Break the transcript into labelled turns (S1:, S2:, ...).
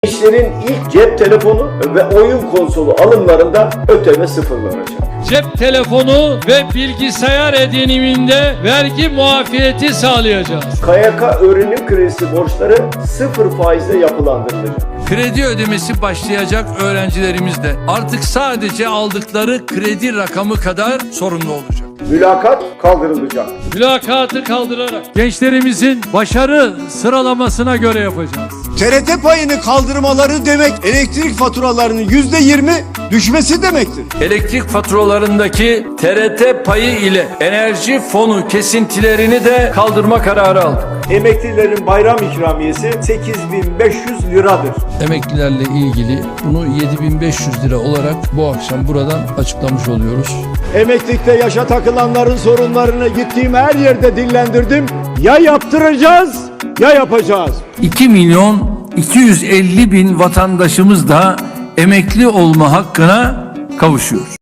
S1: Gençlerin ilk cep telefonu ve oyun konsolu alımlarında ÖTV sıfırlanacak.
S2: Cep telefonu ve bilgisayar ediniminde vergi muafiyeti sağlayacağız.
S1: KYK öğrenim kredisi borçları sıfır faizle yapılandırılacak.
S3: Kredi ödemesi başlayacak öğrencilerimiz de artık sadece aldıkları kredi rakamı kadar sorumlu olacak.
S1: Mülakat kaldırılacak.
S2: Mülakatı kaldırarak gençlerimizin başarı sıralamasına göre yapacağız.
S4: TRT payını kaldırmaları demek elektrik faturalarının %20 düşmesi demektir.
S3: Elektrik faturalarındaki TRT payı ile enerji fonu kesintilerini de kaldırma kararı aldık.
S5: Emeklilerin bayram ikramiyesi 8.500 liradır.
S3: Emeklilerle ilgili bunu 7.500 lira olarak bu akşam buradan açıklamış oluyoruz.
S4: Emeklilikte yaşa takılanların sorunlarını gittiğim her yerde dillendirdim. Ya yaptıracağız ya yapacağız.
S3: 2.250.000 vatandaşımız da emekli olma hakkına kavuşuyor.